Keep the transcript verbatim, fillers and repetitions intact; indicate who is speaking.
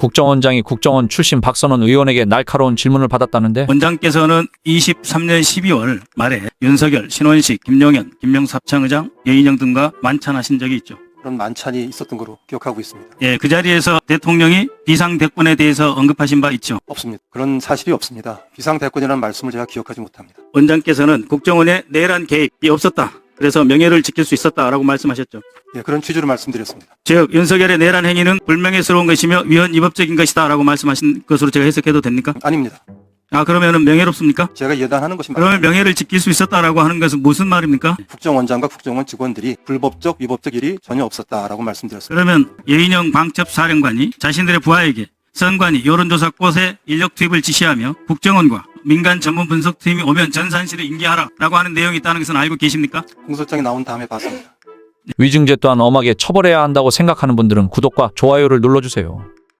Speaker 1: 국정원장이 국정원 출신 박선원 의원에게 날카로운 질문을 받았다는데
Speaker 2: 원장께서는 이십삼 년 십이월 말에 윤석열, 신원식, 김용현, 김명수 합창의장, 여인영 등과 만찬하신 적이 있죠.
Speaker 3: 그런 만찬이 있었던 거로 기억하고 있습니다.
Speaker 2: 예, 그 자리에서 대통령이 비상대권에 대해서 언급하신 바 있죠.
Speaker 3: 없습니다. 그런 사실이 없습니다. 비상대권이라는 말씀을 제가 기억하지 못합니다.
Speaker 2: 원장께서는 국정원의 내란 개입이 없었다. 그래서 명예를 지킬 수 있었다라고 말씀하셨죠.
Speaker 3: 예, 그런 취지로 말씀드렸습니다.
Speaker 2: 즉 윤석열의 내란 행위는 불명예스러운 것이며 위헌 위법적인 것이다라고 말씀하신 것으로 제가 해석해도 됩니까?
Speaker 3: 아닙니다.
Speaker 2: 아 그러면은 명예롭습니까?
Speaker 3: 제가 예단하는 것이
Speaker 2: 그러면
Speaker 3: 맞습니다.
Speaker 2: 명예를 지킬 수 있었다라고 하는 것은 무슨 말입니까?
Speaker 3: 국정원장과 국정원 직원들이 불법적, 위법적 일이 전혀 없었다라고 말씀드렸습니다.
Speaker 2: 그러면 여인영 방첩사령관이 자신들의 부하에게 선관위 여론조사 꽃에 인력 투입을 지시하며 국정원과 민간 전문 분석팀이 오면 전산실을 인계하라라고 하는 내용이 있다는 것은 알고 계십니까?
Speaker 3: 공소장이 나온 다음에 봤습니다.
Speaker 1: 위증죄 또한 엄하게 처벌해야 한다고 생각하는 분들은 구독과 좋아요를 눌러주세요.